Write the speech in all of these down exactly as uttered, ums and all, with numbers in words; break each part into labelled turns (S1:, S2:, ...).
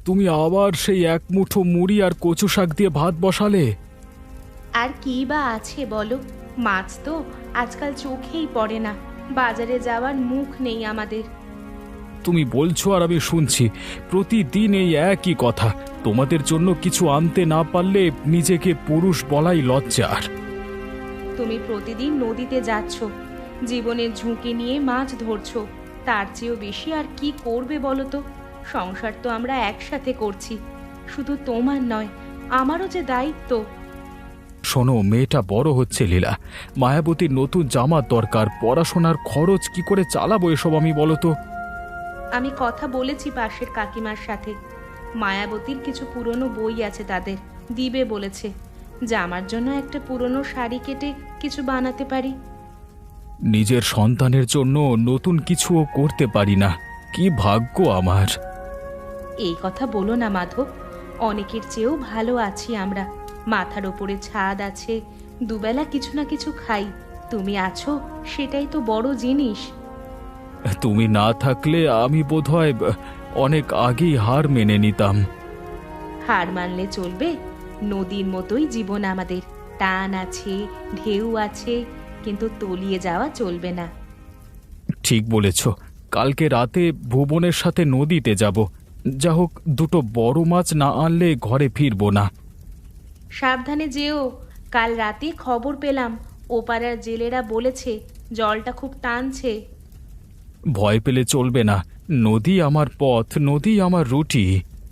S1: তুমি আবার সেই এক মুঠো মুড়ি আর কচু শাক দিয়ে ভাত বসালে।
S2: আর কি বা আছে বলো, মাছ তো আজকাল চোখেই পড়ে না, বাজারে যাওয়ার মুখ নেই আমাদের।
S1: তুমি বলছো আর আমি শুনছি, প্রতিদিন এই একই কথা। তোমাদের জন্য কিছু আনতে না পারলে নিজেকে পুরুষ বলাই লজ্জার।
S2: তুমি প্রতিদিন নদীতে যাচ্ছ, জীবনের ঝুঁকি নিয়ে মাছ ধরছো, তার চেয়েও বেশি আর কি করবে বলো তো? সংসার তো আমরা একসাথে করছি, শুধু তোমার নয়, আমারও যে দায়িত্ব।
S1: শোনো, মেয়েটা বড় হচ্ছে লীলা, মায়াবতীর নতুন জামার দরকার, পড়াশোনার খরচ কি করে চালাবো এসব আমি বলো তো?
S2: আমি কথা বলেছি পাশের কাকিমার সাথে, মায়াবতীর কিছু পুরনো বই আছে, তাদের দিবে বলেছে। জামার জন্য একটা পুরনো শাড়ি কেটে কিছু বানাতে পারি।
S1: নিজের সন্তানের জন্য নতুন কিছুও করতে পারি না, কি ভাগ্য আমার।
S2: এই কথা বলো না মাধব, অনেকের চেয়েও ভালো আছি আমরা। মাথার ওপরে ছাদ আছে, দুবেলা কিছু না কিছু খাই। তুমি আছো, সেটাই তো বড় জিনিস।
S1: তুমি না থাকলে আমি বোধহয় অনেক আগেই হার মেনে নিতাম।
S2: হার মানলে চলবে? নদীর মতোই জীবন আমাদের, টান আছে, ঢেউ আছে, কিন্তু তলিয়ে যাওয়া চলবে না।
S1: ঠিক বলেছ, কালকে রাতে ভুবনের সাথে নদীতে যাব। যা হোক, দুটো বড় মাছ না আনলে ঘরে ফিরবো না।
S2: সাবধানে যেও। কাল রাতে খবর পেলাম, ওপাড়ার জেলেরা বলেছে জলটা খুব টানছে।
S1: ভয় পেলে চলবে না, নদী আমার পথ, নদী আমার রুটি।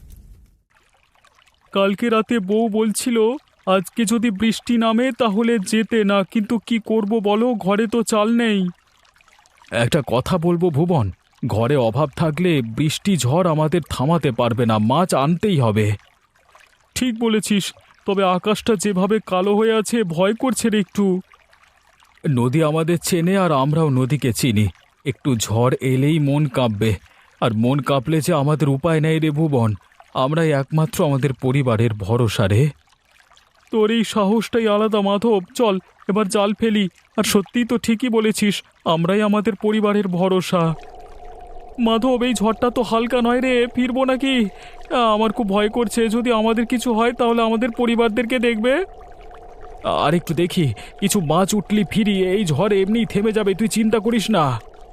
S1: কালকে রাতে বউ বলছিল আজকে যদি বৃষ্টি নামে তাহলে যেতে না, কিন্তু কি করব বলো, ঘরে তো চাল নেই। একটা কথা বলবো ভুবন, ঘরে অভাব থাকলে বৃষ্টি ঝড় আমাদের থামাতে পারবে না, মাছ আনতেই হবে। ঠিক বলেছিস, তবে আকাশটা যেভাবে কালো হয়ে আছে ভয় করছে রে একটু। নদী আমাদের চেনে আর আমরাও নদীকে চিনি, একটু ঝড় এলেই মন কাঁপবে, আর মন কাঁপলে যে আমাদের উপায় নেই রে ভুবন, আমরাই একমাত্র আমাদের পরিবারের ভরসা রে। তোর এই সাহসটাই আলাদা মাধব, চল এবার জাল ফেলি। আর সত্যিই তো ঠিকই বলেছিস, আমরাই আমাদের পরিবারের ভরসা। মাধব, এই ঝড়টা তো হালকা নয় রে, ফিরবো নাকি? আমার খুব ভয় করছে, যদি আমাদের কিছু হয় তাহলে আমাদের পরিবারদেরকে দেখবে। আর একটু দেখি, কিছু মাছ উঠলি ফিরি, এই ঝড় এমনি থেমে যাবে, তুই চিন্তা করিস না।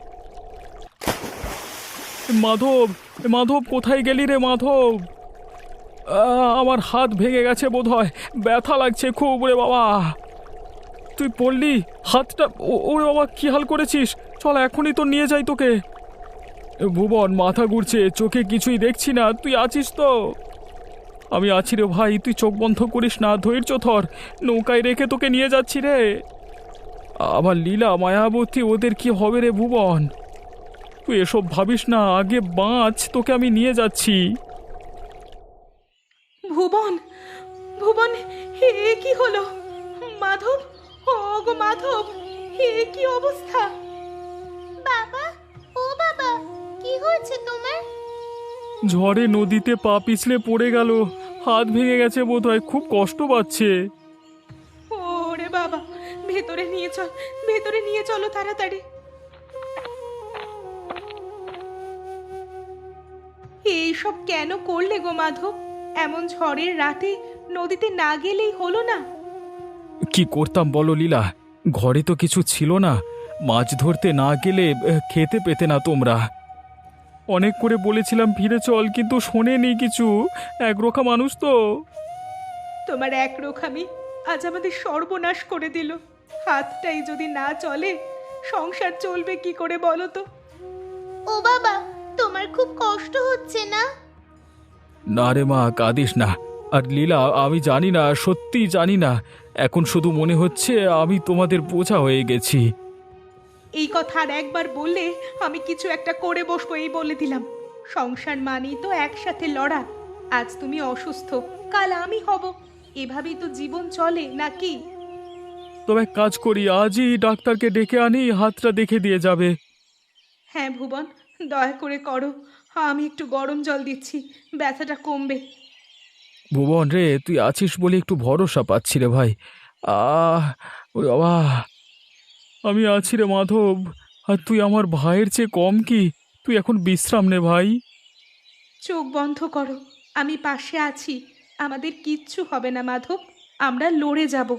S1: মাধব, মাধব কোথায় গেলি রে মাধব? আমার হাত ভেঙে গেছে বোধহয়, ব্যথা লাগছে খুব রে বাবা। তুই পড়লি হাতটা? ওরে বাবা, কি হাল করেছিস? চল এখনই তো নিয়ে যাই তোকে। ভুবন, মাথা ঘুরছে, চোখে কিছুই দেখছি না, তুই আছিস তো? আমি আছি রে ভাই, তুই চোখ বন্ধ করিস না, ধৈর্য ধর, নৌকায় রেখে তোকে নিয়ে যাচ্ছি রে। আবার লীলা, মায়াবতী, ওদের কি হবে রে ভুবন? তুই এসব ভাবিস না, আগে বাঁচ, তোকে আমি নিয়ে যাচ্ছি।
S2: ভুবন, ভুবন, হে কি হলো? মাধব, ও গো মাধব, হে কি অবস্থা?
S3: বাবা, ও বাবা, কি হয়েছে তোমার?
S1: ঝড়ে নদীতে পা পিছলে পড়ে গেল, হাত ভেঙে গেছে বোধহয়, খুব কষ্ট পাচ্ছে।
S2: ওরে বাবা, ভেতরে নিয়ে চল, ভেতরে নিয়ে চলো তাড়াতাড়ি। এইসব কেন করলে গো মাধব? এমন ঝড়ের রাতে নদীতে না গেলেই হলো না?
S1: কি করতাম বলো লীলা, ঘরে তো কিছু ছিল না, মাছ ধরতে না গেলে খেতে পেতে না তোমরা। অনেক করে বলেছিলাম ফিরে চল, কিন্তু শোনেনি কিছু, একরোখা মানুষ তো।
S2: তোমার এক রোখামি আজ আমাদের সর্বনাশ করে দিল। হাতটাই যদি না চলে, সংসার চলবে কি করে বলো তো?
S3: ও বাবা, তোমার খুব কষ্ট হচ্ছে না?
S1: না রে মা, কাঁদিস না। আর লীলা, আমি জানি না, সত্যি জানি না, এখন শুধু মনে হচ্ছে আমি তোমাদের বোঝা হয়ে গেছি।
S2: এই কথা আর একবার বললে আমি কিছু একটা করে বসবো, এই বলে দিলাম। সংসার মানেই তো একসাথে লড়া। আজ তুমি অসুস্থ, কাল আমি হব, এভাবেই তো জীবন চলে নাকি?
S1: তবে এক কাজ করি, আজই ডাক্তারকে ডেকে আনি, হাতটা দেখে দিয়ে যাবে।
S2: হ্যাঁ ভুবন, দয়া করে করো, আমি একটু গরম জল দিচ্ছি, ব্যথাটা কমবে।
S1: ভুবন রে, তুই আছিস বলে একটু ভরসা পাচ্ছি রে ভাই। আহ ওরে বাবা, আমি আছি রে মাধব, আর তুই আমার ভাইয়ের চেয়ে কম কি? তুই এখন বিশ্রাম নে ভাই।
S2: চোখ বন্ধ করো, আমি পাশে আছি। আমাদের কিচ্ছু হবে না মাধব, আমরা লড়ে যাব।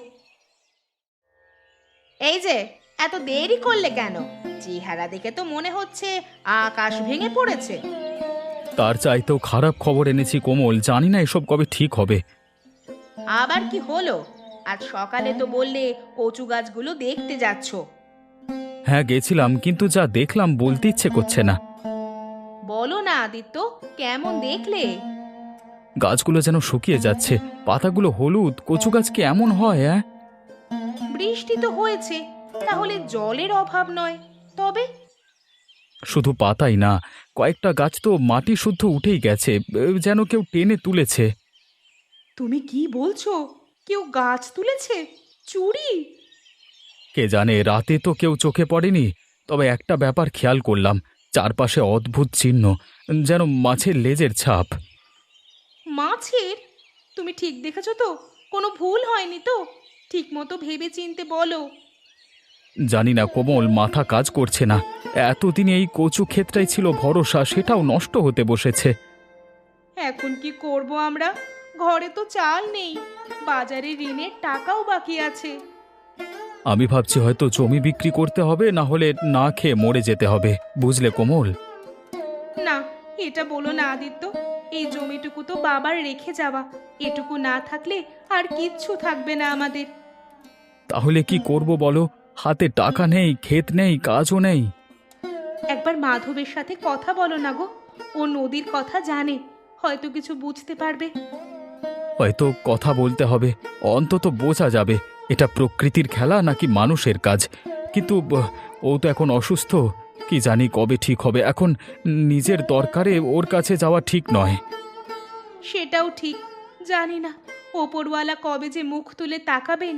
S3: এই যে, এত দেরি করলে কেন? চেহারা দেখে তো মনে হচ্ছে আকাশ ভেঙে পড়েছে।
S1: তার চাইতেও খারাপ খবর এনেছি কোমল, জানি না এসব কবে ঠিক হবে।
S3: আবার কি হলো? আজ সকালে তো বললে কচু গাছগুলো দেখতে যাচ্ছ।
S1: হ্যাঁ গেছিলাম, কিন্তু যা দেখলাম বলতে ইচ্ছে করছে না।
S3: বলো না আদিত্য, কেমন দেখলে?
S1: গাছগুলো যেন শুকিয়ে যাচ্ছে, পাতাগুলো হলুদ। কচু গাছ কি এমন হয়? হ্যাঁ,
S3: বৃষ্টি তো হয়েছে, তাহলে জলের অভাব নয়। তবে
S1: শুধু পাতাই না, কয়েকটা গাছ তো মাটি শুদ্ধ উঠেই গেছে, এ, যেন কেউ টেনে তুলেছে।
S2: তুমি কি বলছো? কেউ গাছ তুলেছে? চুরি?
S1: কে জানে, রাতে তো কেউ চোখে পড়েনি। তবে একটা ব্যাপার খেয়াল করলাম, চারপাশে অদ্ভুত চিহ্ন, যেন মাছের লেজের ছাপ।
S2: মাছের? তুমি ঠিক দেখেছো তো? কোনো ভুল হয়নি তো? ঠিক মতো ভেবে চিনতে বলো।
S1: জানি না কোমল, মাথা কাজ করছে না। এতদিনে এই কচু ক্ষেতটাই ছিল ভরসা, সেটাও নষ্ট হতে বসেছে।
S2: এখন কি করব আমরা? ঘরে তো চাল নেই, বাজারে ঋণের টাকাও বাকি আছে।
S1: আমি ভাবছি হয়তো জমি বিক্রি করতে হবে, না হলে না খেয়ে মরে যেতে হবে, বুঝলে কোমল?
S2: না, এটা বলো না আদিত্য। এই জমিটুকু তো বাবার রেখে যাওয়া, এটুকু না থাকলে আর কিচ্ছু থাকবে না আমাদের।
S1: তাহলে কি করব বলো? হাতে টাকা নেই, ক্ষেত নেই, কাজও নেই।
S2: একবার মাধবের সাথে কথা বলো না গো, ও নদীর কথা জানে, হয়তো কিছু বুঝতে পারবে।
S1: হয়তো কথা বলতে হবে, অন্তত বোঝা যাবে এটা প্রকৃতির খেলা নাকি মানুষের কাজ। কিন্তু ব, ও তো এখন অসুস্থ, কি জানি কবে ঠিক হবে। এখন নিজের দরকারে ওর কাছে যাওয়া ঠিক নয়।
S2: সেটাও ঠিক, জানি না ওপরওয়ালা কবে যে মুখ তুলে তাকাবেন।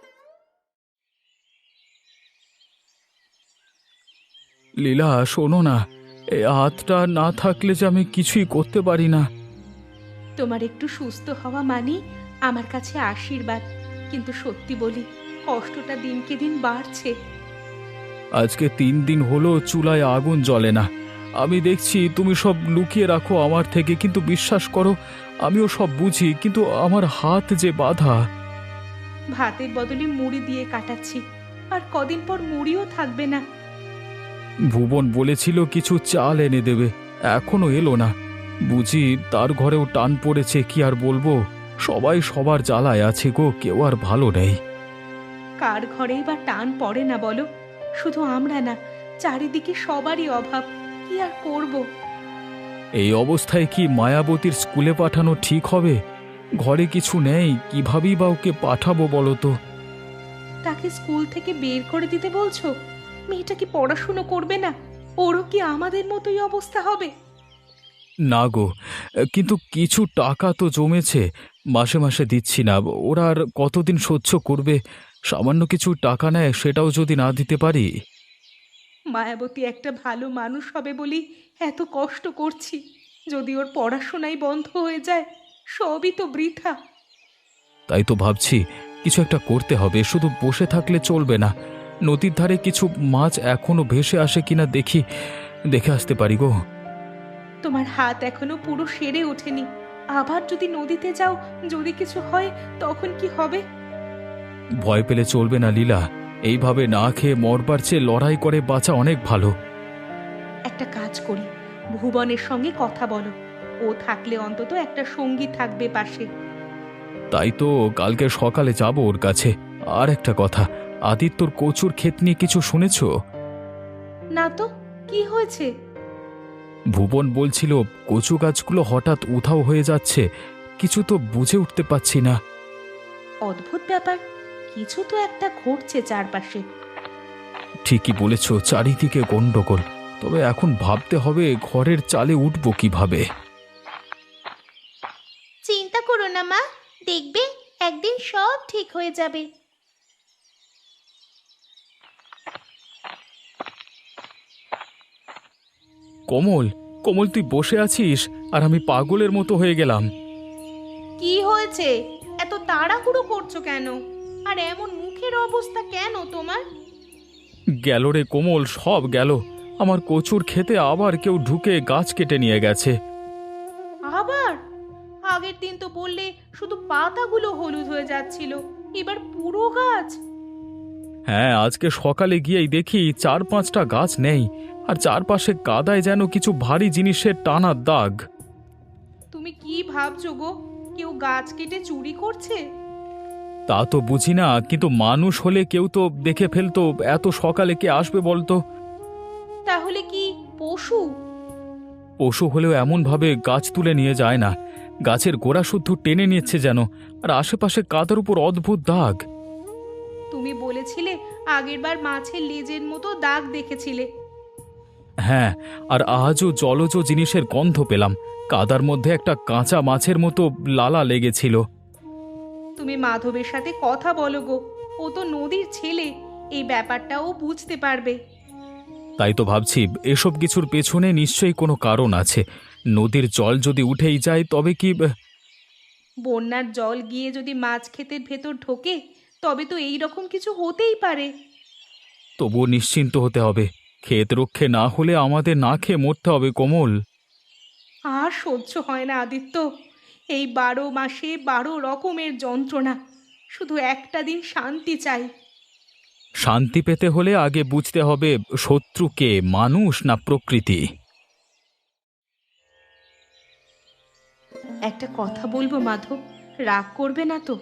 S1: লীলা শোনো না, এই হাতটা না থাকলে যে আমি কিছুই করতে পারি না।
S2: তোমার একটু সুস্থ হওয়া মানে আমার কাছে আশীর্বাদ, কিন্তু সত্যি বলি, কষ্টটা দিনকে দিন বাড়ছে।
S1: আজকে তিন দিন হলো চুলায় আগুন জ্বলে না। আমি দেখছি তুমি সব লুকিয়ে রাখো আমার থেকে, কিন্তু বিশ্বাস করো আমিও সব বুঝি, কিন্তু আমার হাত যে বাঁধা।
S2: ভাতের বদলে মুড়ি দিয়ে কাটাচ্ছি, আর কদিন পর মুড়িও থাকবে না।
S1: ভুবন বলেছিল কিছু চাল এনে দেবে, এখনো এলো না। বুঝি তার ঘরেও টান পড়েছে, কি আর বলবো। সবাই সবার জ্বালায় আছে গো, কেউ আর ভালো নেই।
S2: কার ঘরেই বা টান পড়ে না বলো? শুধু আমরা না, চারিদিকে সবারই অভাব, কি আর করব।
S1: এই অবস্থায় কি মায়াবতীর স্কুলে পাঠানো ঠিক হবে? ঘরে কিছু নেই, কিভাবেই বা ওকে পাঠাবো বলো তো?
S2: তাকে স্কুল থেকে বের করে দিতে বলছো? মেয়েটা কি পড়াশুনো করবে না? ওরও কি আমাদের মতোই অবস্থা হবে?
S1: না গো, কিন্তু কিছু টাকা তো জমেছে, মাসে মাসে দিচ্ছি না। ওরা আর কতদিন সহ্য করবে? সামান্য কিছু টাকা নেয়, সেটাও যদি না দিতে পারি।
S2: মায়াবতী একটা ভালো মানুষ হবে বলি এত কষ্ট করছি, যদি ওর পড়াশোনাই বন্ধ হয়ে যায় সবই তো বৃথা।
S1: তাই তো ভাবছি কিছু একটা করতে হবে, শুধু বসে থাকলে চলবে না। নদীর ধারে কিছু মাছ এখনো ভেসে আসে কিনা দেখি, দেখে আসতে পারি গো।
S2: তোমার হাত এখনো পুরো সেরে ওঠেনি, আবার যদি নদীতে যাও, যদি কিছু হয় তখন কি হবে?
S1: ভয় পেলে চলবে না লীলা, এইভাবে না খেয়ে মরবার চেয়ে লড়াই করে বাঁচা অনেক ভালো।
S2: একটা কাজ করি, ভুবনের সঙ্গে কথা বলো, ও থাকলে অন্তত একটা সঙ্গী থাকবে পাশে।
S1: তাই তো কালকে সকালে যাব ওর কাছে। আর একটা কথা, আদিত্যর কচুর ক্ষেত নিয়ে কিছু শুনেছ?
S2: না তো, কি হয়েছে?
S1: ভুবন বলছিল কচু গাছগুলো হঠাৎ উধাও হয়ে যাচ্ছে, কিছু তো বুঝে উঠতে পারছি না।
S2: অদ্ভুত ব্যাপার, কিছু তো একটা ঘটছে চারপাশে।
S1: ঠিকই বলেছ, চারিদিকে গন্ডগোল। তবে এখন ভাবতে হবে ঘরের চালে উঠবো কিভাবে।
S3: চিন্তা করো না মা, দেখবে একদিন সব ঠিক হয়ে যাবে।
S1: কমল, কমল তুই বসে আছিস আর আমি পাগলের মতো হয়ে গেলাম।
S2: কি হয়েছে? এত তাড়াহুড়ো করছো কেন? আর এমন মুখের অবস্থা কেন তোমার?
S1: গেল রে কোমল, সব গেল। আমার কচুর ক্ষেতে আবার কেউ ঢুকে গাছ কেটে নিয়ে গেছে।
S2: আবার?
S3: আগের দিন তো বললে শুধু পাতাগুলো হলুদ হয়ে যাচ্ছিল, এবার পুরো গাছ।
S1: হ্যাঁ, আজকে সকালে গিয়েই দেখি চার পাঁচটা গাছ নেই, আর চারপাশে কাদায় যেন কিছু ভারী জিনিসের টানার দাগ।
S3: তুমি কি ভাবছো গো, কেউ গাছ কেটে চুরি করছে?
S1: তা তো বুঝি না, কিন্তু মানুষ হলে কেউ তো দেখে ফেলতো। এত সকালে কে আসবে বলতো?
S3: তাহলে কি পশু?
S1: পশু হলেও এমনভাবে গাছ তুলে নিয়ে যায় না, গাছের গোড়া শুদ্ধ টেনে নিচ্ছে যেন, আর আশেপাশে কাদার উপর অদ্ভুত দাগ।
S3: তুমি বলেছিলে আগেরবার মাছের লেজের মতো দাগ দেখেছিলে।
S1: হ্যাঁ, আর আজও জলজ জিনিসের গন্ধ পেলাম। কাদার মধ্যে একটা কাঁচা মাছের মতো লালা লেগেছিল।
S3: তুমি মাধবের সাথে কথা বলো গো, ও তো নদীর ছেলে, এই ব্যাপারটা ও বুঝতে পারবে।
S1: তাই তো ভাবছি, এসব কিছুর পেছনে নিশ্চয়ই কোনো কারণ আছে। নদীর জল যদি উঠেই যায় তবে কি?
S3: বন্যার জল গিয়ে যদি মাছ ক্ষেতের ভেতর ঢোকে, তবে তো এই রকম কিছু হতেই পারে।
S1: তবুও নিশ্চিন্ত হতে হবে। ক্ষেত রক্ষে না হলে আমাদের না খেয়ে মরতে হবে কমল।
S3: আর সহ্য হয় না আদিত্য, এই বারো মাসে বারো রকমের যন্ত্রণা। শুধু একটা দিন শান্তি চাই।
S1: শান্তি পেতে হলে আগে বুঝতে হবে শত্রুকে, মানুষ না প্রকৃতি।
S3: একটা কথা বলবো মাধব, রাগ করবে না তো?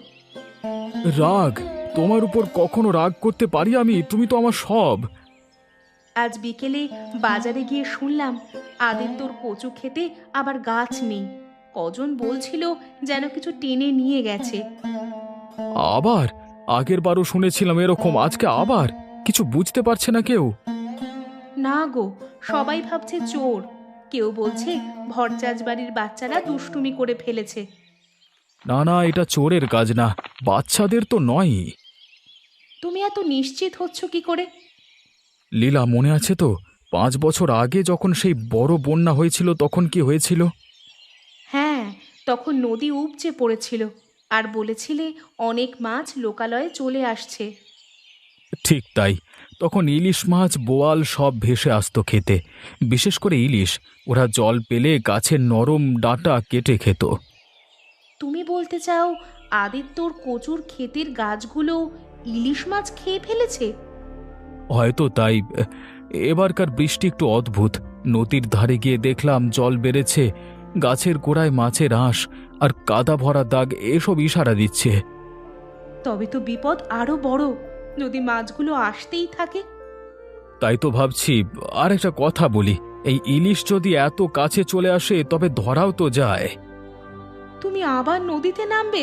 S1: রাগ? তোমার উপর কখনো রাগ করতে পারি আমি? তুমি তো আমার সব।
S3: আজ বিকেলে বাজারে গিয়ে শুনলাম আদিত্যর কচু খেতে আবার গাছ নেই। কজন বলছিল যেন কিছু টেনে নিয়ে গেছে।
S1: আবার? আগের বারও শুনেছিলাম এরকম, আজকে আবার? কিছু বুঝতে পারছে না কেউ?
S3: না গো, সবাই ভাবছে চোর। কেউ বলছে ভরচাজ বাড়ির বাচ্চারা দুষ্টুমি করে ফেলেছে।
S1: না না, এটা চোরের কাজ না, বাচ্চাদের তো নয়ই।
S3: তুমি এত নিশ্চিত হচ্ছ কি করে?
S1: লীলা, মনে আছে তো পাঁচ বছর আগে যখন সেই বড় বন্যা হয়েছিল তখন কি হয়েছিল?
S3: হ্যাঁ, তখন নদী উপচে পড়েছিল, আর বলেছিলে অনেক মাছ লোকালয়ে চলে আসছে।
S1: ঠিক তাই। তখন ইলিশ মাছ, বোয়াল সব ভেসে আসতো খেতে। বিশেষ করে ইলিশ, ওরা জল পেলে গাছের নরম ডাঁটা কেটে খেত।
S3: তুমি বলতে চাও আদিত্যর কচুর ক্ষেতের গাছগুলো ইলিশ মাছ খেয়ে ফেলেছে?
S1: হয়তো তাই। এবারকার বৃষ্টি একটু অদ্ভুত। নদীর ধারে গিয়ে দেখলাম জল বেড়েছে, গাছের গোড়ায় মাছের আঁশ আর কাদা ভরা দাগ, এসব ইশারা দিচ্ছে।
S3: তবে তো বিপদ আরো বড়, যদি মাছগুলো আসতেই থাকে।
S1: তাই তো ভাবছি। আর একটা কথা বলি, এই ইলিশ যদি এত কাছে চলে আসে তবে ধরাও তো যায়।
S3: তুমি আবার নদীতে নামবে?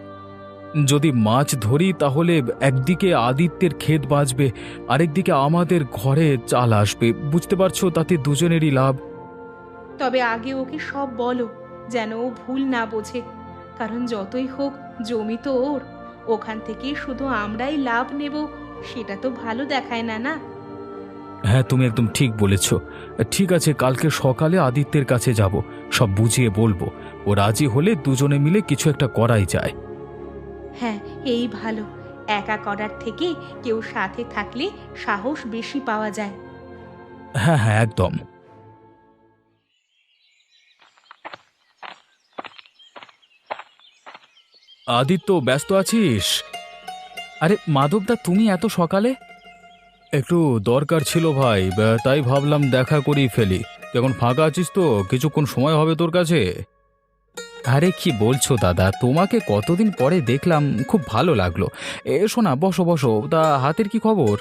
S1: যদি মাছ ধরি তাহলে একদিকে আদিত্যের ক্ষেত বাঁচবে, আরেকদিকে আমাদের ঘরে চাল আসবে। বুঝতে পারছো, তাতে দুজনেরই লাভ।
S3: তবে আগে ওকে সব বলো, যেন ও ভুল না বোঝে। কারণ যতই হোক জমি তো ওর, ওখান থেকে শুধু আমরাই লাভ নেব, সেটা তো ভালো দেখায় না। না
S1: হ্যাঁ, তুমি একদম ঠিক বলেছ। ঠিক আছে, কালকে সকালে আদিত্যের কাছে যাব, সব বুঝিয়ে বলবো। ও রাজি হলে দুজনে মিলে কিছু একটা করাই যায়।
S3: হ্যাঁ, এই ভালো। একা করার থেকে কেউ সাথে থাকলে সাহস বেশি পাওয়া যায়।
S1: হ্যাঁ হ্যাঁ, একদম। আদিত্য, ব্যস্ত আছিস? আরে মাধবদা, তুমি এত সকালে? একটু দরকার ছিল ভাই, বা- তাই ভাবলাম দেখা করেই ফেলি। তুই এখন ফাঁকা আছিস তো? কিছুক্ষণ সময় হবে তোর কাছে? আরে কি বলছো দাদা, তোমাকে কতদিন পরে দেখলাম, খুব ভালো লাগলো। এসো না, বসো বসো। তা হাতের কি খবর?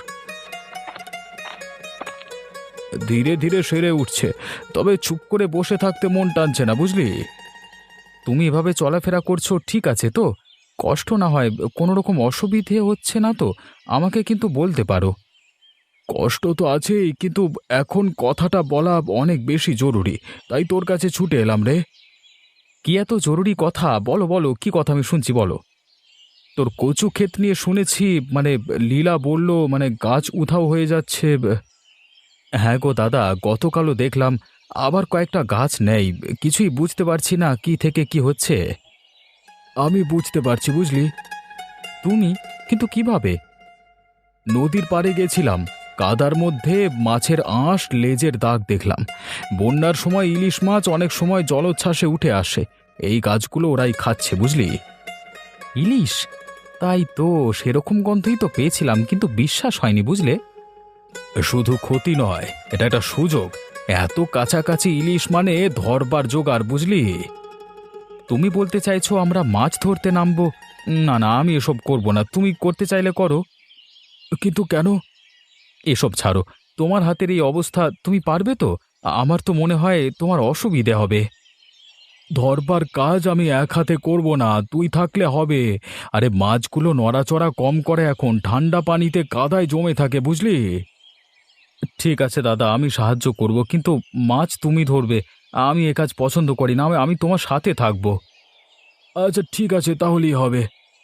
S1: ধীরে ধীরে সেরে উঠছে, তবে চুপ করে বসে থাকতে মন টানছে না, বুঝলি? তুমি এভাবে চলাফেরা করছো ঠিক আছে তো? কষ্ট না হয়? কোনো রকম অসুবিধে হচ্ছে না তো? আমাকে কিন্তু বলতে পারো। কষ্ট তো আছেই, কিন্তু এখন কথাটা বলা অনেক বেশি জরুরি, তাই তোর কাছে ছুটে এলাম রে। কি এত জরুরি কথা? বলো বলো, কি কথা, আমি শুনছি, বলো। তোর কচু ক্ষেত নিয়ে শুনেছি, মানে লীলা বলল, মানে গাছ উধাও হয়ে যাচ্ছে। হ্যাঁ গো দাদা, গতকালও দেখলাম, আবার কয়েকটা গাছ নেই। কিছুই বুঝতে পারছি না কি থেকে কি হচ্ছে। আমি বুঝতে পারছি, বুঝলি। তুমি? কিন্তু কিভাবে? নদীর পাড়ে গেছিলাম, কাদার মধ্যে মাছের আঁশ, লেজের দাগ দেখলাম। বন্যার সময় ইলিশ মাছ অনেক সময় জলোচ্ছ্বাসে উঠে আসে, এই গাছগুলো ওরাই খাচ্ছে বুঝলি। ইলিশ? তাই তো, সেরকম গন্ধই তো পেয়েছিলাম, কিন্তু বিশ্বাস হয়নি বুঝলে। শুধু ক্ষতি নয়, এটা একটা সুযোগ। এত কাছাকাছি ইলিশ মানে ধরবার জোগাড় বুঝলি। তুমি বলতে চাইছো আমরা মাছ ধরতে নামবো? না না, আমি এসব করব না, তুমি করতে চাইলে করো। কিন্তু কেন? এসব ছাড়ো, তোমার হাতের এই অবস্থা, তুমি পারবে তো? আমার তো মনে হয় তোমার অসুবিধে হবে। ধরবার কাজ আমি এক হাতে করব না, তুই থাকলে হবে। আরে মাছগুলো নড়াচড়া কম করে, এখন ঠান্ডা পানিতে কাদায় জমে থাকে বুঝলি। ঠিক আছে দাদা, আমি সাহায্য করব, কিন্তু মাছ তুমি ধরবে। আমি এ কাজ পছন্দ করি না, আমি আমি তোমার সাথে থাকব। আচ্ছা ঠিক আছে, তাহলেই হবে।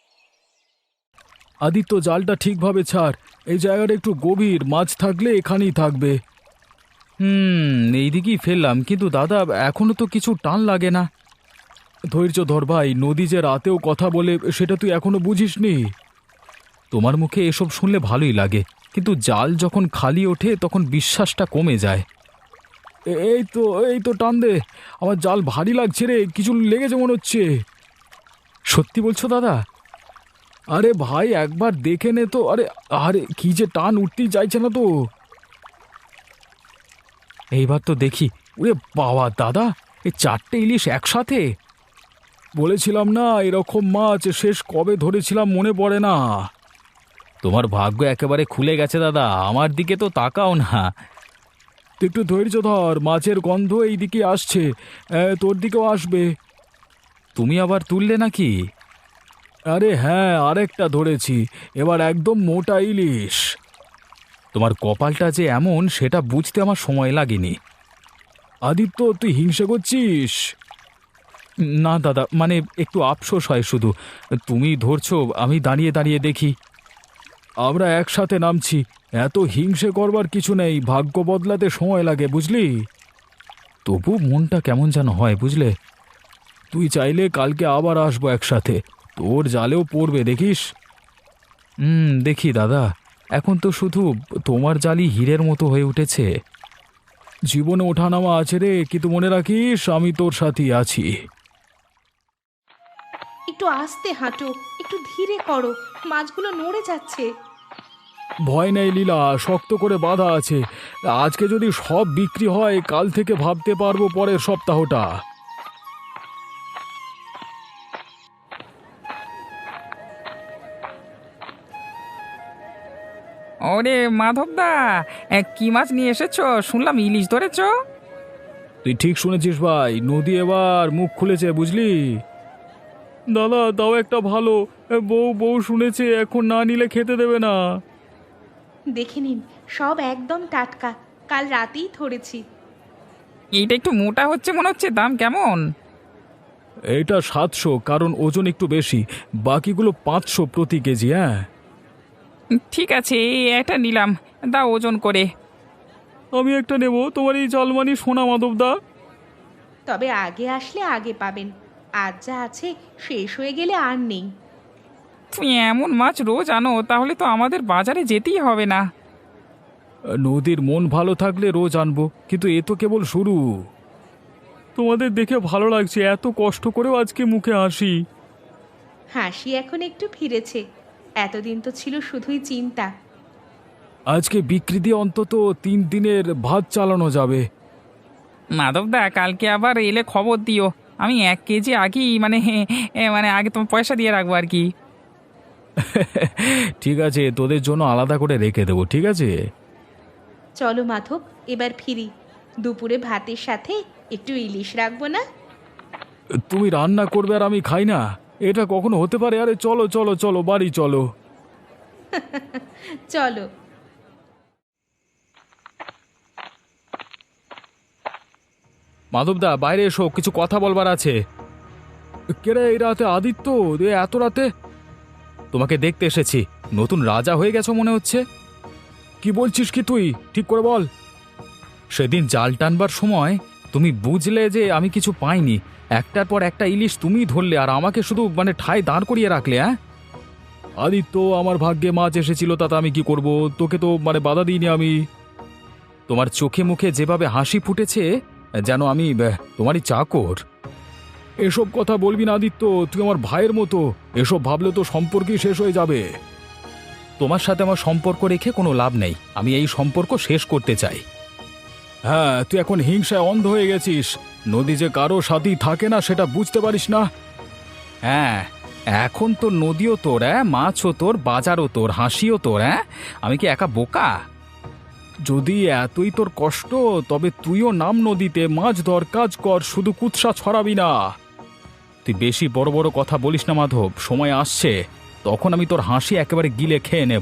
S1: আদিত্য, জালটা ঠিকভাবে ছাড়, এই জায়গাটা একটু গভীর, মাছ থাকলে এখানেই থাকবে। হুম, এইদিকেই ফেললাম, কিন্তু দাদা এখনো তো কিছু টান লাগে না। ধৈর্য ধর ভাই, নদী যে রাতেও কথা বলে সেটা তুই এখনো বুঝিসনি। তোমার মুখে এসব শুনলে ভালোই লাগে, কিন্তু জাল যখন খালি ওঠে তখন বিশ্বাসটা কমে যায়। এ- এই তো এই তো টান দে, আমার জাল ভারী লাগছে রে, কিছু লেগেছে মনে হচ্ছে। সত্যি বলছো দাদা? আরে ভাই একবার দেখে নে তো। আরে আরে কি যে টান, উঠতেই চাইছে না তো। এইবার তো দেখি। ওরে বাবা দাদা, এই চারটে ইলিশ একসাথে! বলেছিলাম না এরকম মাছ শেষ কবে ধরেছিলাম মনে পড়ে না। তোমার ভাগ্য একেবারে খুলে গেছে দাদা, আমার দিকে তো তাকাও না। তুই একটু ধৈর্য ধর, মাছের গন্ধ এই দিকে আসছে, এ, তোর দিকেও আসবে। তুমি আবার তুললে নাকি? আরে হ্যাঁ, আরেকটা ধরেছি, এবার একদম মোটা ইলিশ। তোমার কপালটা যে এমন সেটা বুঝতে আমার সময় লাগেনি। আদিত্য, তুই হিংসে করছিস? না দাদা, মানে একটু আফসোস হয় শুধু। তুমি ধরছো, আমি দাঁড়িয়ে দাঁড়িয়ে দেখি। আমরা একসাথে নামছি, এত হিংসে করবার কিছু নেই, ভাগ্য বদলাতে সময় লাগে বুঝলি। তবু মনটা কেমন যেন হয় বুঝলে। তুই চাইলে কালকে আবার আসবো একসাথে, তোর জালেও পড়বে দেখিস। হুম, দেখি দাদা, এখন তো শুধু তোমার জালই হীরের মতো হয়ে উঠেছে। জীবনে ওঠানামা আছে রে, কিন্তু মনে রাখিস আমি তোর সাথেই আছি।
S3: একটু আস্তে হাঁটো, একটু ধীরে করো, মাছগুলো নড়ে যাচ্ছে।
S1: ভয় নেই লীলা, শক্ত করে বাঁধা আছে। আজকে যদি সব বিক্রি হয়, কাল থেকে ভাবতে পারবো পরের সপ্তাহটা।
S4: ওরে মাধবদা, এ, কি মাছ নিয়ে এসেছো? শুনলাম ইলিশ ধরেছো।
S1: তুই ঠিক শুনেছিস ভাই, নদী এবার মুখ খুলেছে বুঝলি। দাদা দাও একটা ভালো, বউ বউ শুনেছে, এখন না নিলে খেতে দেবে না।
S3: দেখে নিন, সব একদম টাটকা, কাল রাতেই ধরেছি।
S4: এইটা একটু মোটা হচ্ছে মনে হচ্ছে, দাম কেমন?
S1: এটা সাতশো, কারণ ওজন একটু বেশি। বাকিগুলো পাঁচশো প্রতি কেজি। হ্যাঁ
S4: ঠিক আছে, এই একটা নিলাম, দাও ওজন করে।
S1: আমি একটা নেব, তোমার এই জালমানি সোনা মাধবদা।
S3: তবে আগে আসলে আগে পাবেন, আজ যা আছে শেষ হয়ে গেলে আর নেই।
S4: তুমি এমন মাছ রোজ আনো, তাহলে তো আমাদের বাজারে যেতেই হবে না।
S1: নদীর মন ভালো থাকলে রোজ আনবো, কিন্তু এ তো কেবল শুরু। তোমাদের দেখে ভালো লাগছে, এত কষ্ট করেও আজকে মুখে হাসি।
S3: হাসি এখন একটু ফিরেছে, এতদিন তো ছিল শুধুই চিন্তা।
S1: আজকে বিক্রি দিয়ে অন্তত তিন দিনের ভাত চালানো যাবে।
S4: মাধবদা, কালকে আবার এলে খবর দিও। আমি এক কেজি আগেই মানে এ, মানে আগে তোমার পয়সা দিয়ে রাখবো আর কি।
S1: ঠিক আছে, তোদের জন্য আলাদা করে রেখে দেবো, ঠিক আছে।
S3: চলো মাধব, এবার ফিরি। দুপুরে ভাতের সাথে একটু ইলিশ রাখবো না?
S1: তুমি রান্না করবে আর আমি খাই না, এটা কখনো হতে পারে? আরে চলো চলো চলো, বাড়ি চলো।
S3: চলো।
S1: মাধবদা বাইরে এসো, কিছু কথা বলবার আছে। কেরে এই রাতে আদিত্য, এ এত রাতে? তোমাকে দেখতে এসেছি, নতুন রাজা হয়ে গেছো মনে হচ্ছে। কি বলছিস কি তুই, ঠিক করে বল। সেদিন জাল টানবার সময় তুমি বুঝলে যে আমি কিছু পাইনি, একটার পর একটা ইলিশ তুমি ধরলে, আর আমাকে শুধু মানে ঠায় দাঁড় করিয়ে রাখলে। হ্যাঁ আদিত্য, আমার ভাগ্যে মাছ এসেছিল, তাতে আমি কি করব? তোকে তো মানে বাধা দিইনি আমি। তোমার চোখে মুখে যেভাবে হাসি ফুটেছে, যেন আমি আহ, তোমারই চাকর। এসব কথা বলবি না আদিত্য, তুই আমার ভাইয়ের মতো। এসব ভাবলে তো সম্পর্কই শেষ হয়ে যাবে। তোমার সাথে আমার সম্পর্ক রেখে কোনো লাভ নেই, আমি এই সম্পর্ক শেষ করতে চাই। হ্যাঁ, তুই এখন হিংসায় অন্ধ হয়ে গেছিস। নদী যে কারো সাথেই থাকে না সেটা বুঝতে পারিস না। হ্যাঁ, এখন তো নদীও তোর, হ্যাঁ, মাছও তোর, বাজারও তোর, হাসিও তোর। হ্যাঁ, আমি কি একা বোকা? যদি এতই তোর কষ্ট তবে তুইও নাম নদীতে, মাছ ধর, কাজ কর, শুধু কুৎসা ছড়াবি না। তুই বেশি বড় বড় কথা বলিস না মাধব, সময় আসছে তখন আমি তোর হাসি একেবারে গিলে খেয়ে নেব।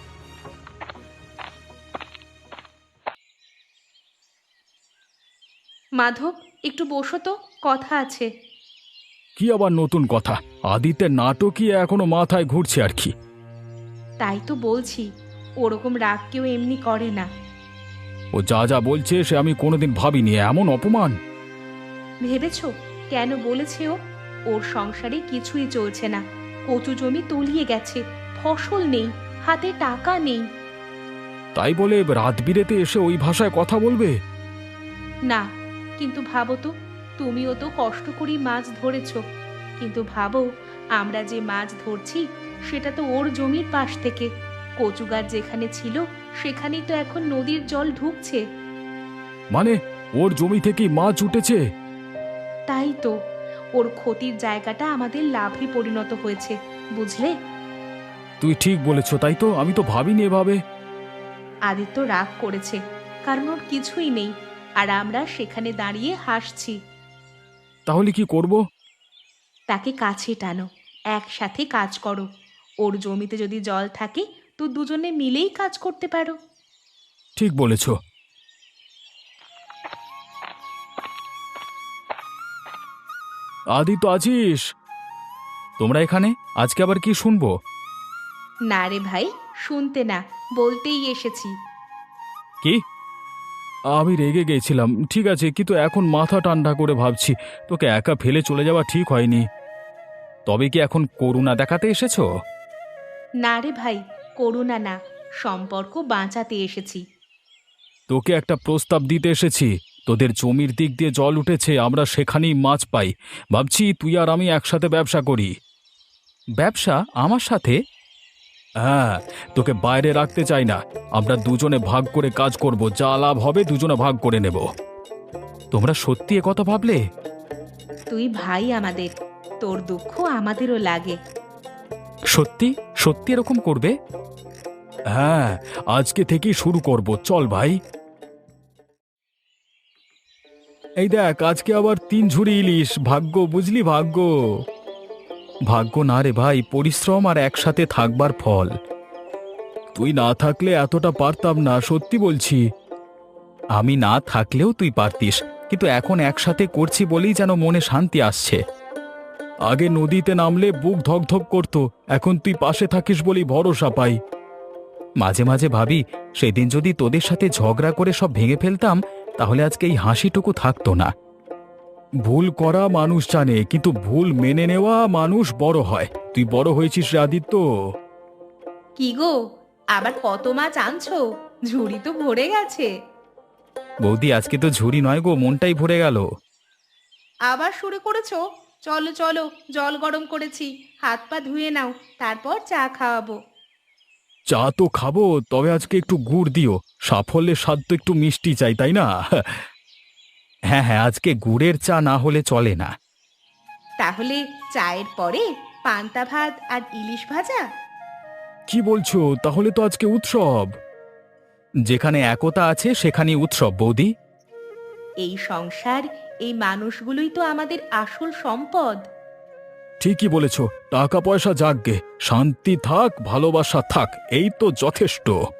S2: মাধব, একটু বসো তো, কথা আছে।
S1: কি আবার নতুন কথা? আদিত্যের নাটকই এখনো মাথায় ঘুরছে আর কি।
S2: তাই তো বলছি, ওরকম রাগ কেউ এমনি করে না।
S1: ও যা যা বলছে সে আমি কোনোদিন ভাবিনি, এমন অপমান।
S2: ভেবেছো কেন বলেছে ও? ওর সংসারে কিছুই চলছে না, কচু জমি তলিয়ে গেছে, ফসল নেই, হাতে টাকা নেই।
S1: তাই বলে রাত বিরেতে এসে ওই ভাষায় কথা বলবে?
S2: না, কিন্তু ভাবো তো, তুমিও তো কষ্ট করে মাছ ধরেছ, কিন্তু ভাবো আমরা যে মাছ ধরছি সেটা তো ওর জমির পাশ থেকে। কচু গাছ যেখানে ছিল সেখানেই তো এখন নদীর জল ঢুকছে।
S1: মানে ওর জমি থেকেই মাছ উঠেছে?
S2: তাই তো, ওর ক্ষতির জায়গাটা আমাদের লাভে পরিণত হয়েছে, বুঝলে?
S1: তুই ঠিক বলেছ, তাই তো, আমি তো ভাবিনি এভাবে।
S2: আদিত্য রাগ করেছে কারণ ওর কিছুই নেই, আর আমরা সেখানে দাঁড়িয়ে হাসছি।
S1: তাহলে কি করব?
S2: তাকে কাছে টানো, একসাথে কাজ করো। ওর জমিতে যদি জল থাকে তো দুজনে মিলেই কাজ করতে পারো।
S1: ঠিক বলেছ। আদি তো আছিস? তোমরা এখানে আজকে আবার কি শুনবো?
S2: না রে ভাই, শুনতে না, বলতেই এসেছি।
S1: কি? আমি রেগে গেছিলাম, ঠিক আছে, কিন্তু এখন মাথা ঠান্ডা করে ভাবছি তোকে একা ফেলে চলে যাওয়া ঠিক হয়নি। তবে কি এখন করুণা দেখাতে এসেছো?
S2: না রে ভাই, করুণা না, সম্পর্ক বাঁচাতে এসেছি।
S1: তোকে একটা প্রস্তাব দিতে এসেছি। তোদের জমির দিক দিয়ে জল উঠেছে, আমরা সেখানেই মাছ পাই। ভাবছি তুই আর আমি একসাথে ব্যবসা করি। ব্যবসা আমার সাথে? হ্যাঁ, তোকে বাইরে রাখতে চাই না। আমরা দুজনে ভাগ করে কাজ করব, যা লাভ হবে দুজনে ভাগ করে নেব। তোমরা সত্যি এ কথা ভাবলে?
S2: তুই ভাই আমাদের, তোর দুঃখ আমাদেরও লাগে।
S1: সত্যি সত্যি এরকম করবে? হ্যাঁ, আজকে থেকেই শুরু করব, চল ভাই। এই দেখ, আজকে আবার তিন ঝুড়ি ইলিশ। ভাগ্য, বুঝলি, ভাগ্য। ভাগ্য না রে ভাই, পরিশ্রম আর একসাথে থাকবার ফল। তুই না থাকলে এতটা পারতাম না, সত্যি বলছি। আমি না থাকলেও তুই পারতিস, কিন্তু এখন একসাথে করছি বলেই যেন মনে শান্তি আসছে। আগে নদীতে নামলে বুক ধকধক করত, এখন তুই পাশে থাকিস বলেই ভরসা পাই। মাঝে মাঝে ভাবি সেদিন যদি তোদের সাথে ঝগড়া করে সব ভেঙে ফেলতাম তাহলে আজকে এই হাসিটুকু থাকতো না। ভুল করা মানুষ জানে, কিন্তু ভুল মেনে নেওয়া মানুষ বড় হয়। তুই বড় হয়েছিস রে আদিত্য।
S2: কি গো, আবার কত মাছ আনছো? ঝুড়ি তো ভরে গেছে।
S1: বৌদি, আজকে তো ঝুড়ি নয় গো, মনটাই ভরে গেল।
S2: আবার শুরু করেছো? চলো চলো, জল গরম করেছি, হাত পা ধুয়ে নাও, তারপর চা খাওয়াবো।
S1: চা তো খাবো, তবে আজকে একটু গুড় দিও। সাফল্যের স্বাদ তো একটু মিষ্টি চাই, তাই না? হ্যাঁ হ্যাঁ, আজকে গুড়ের চা না হলে চলে না।
S2: তাহলে চায়ের পরে পান্তা ভাত আর ইলিশ ভাজা?
S1: কি বলছো? তাহলে তো আজকে উৎসব। যেখানে একতা আছে সেখানেই উৎসব বৌদি।
S2: এই সংসার, এই মানুষগুলোই তো আমাদের আসল সম্পদ।
S1: ঠিকই বলেছ। টাকা পয়সা যাকগে, শান্তি থাক, ভালোবাসা থাক, এই তো যথেষ্ট।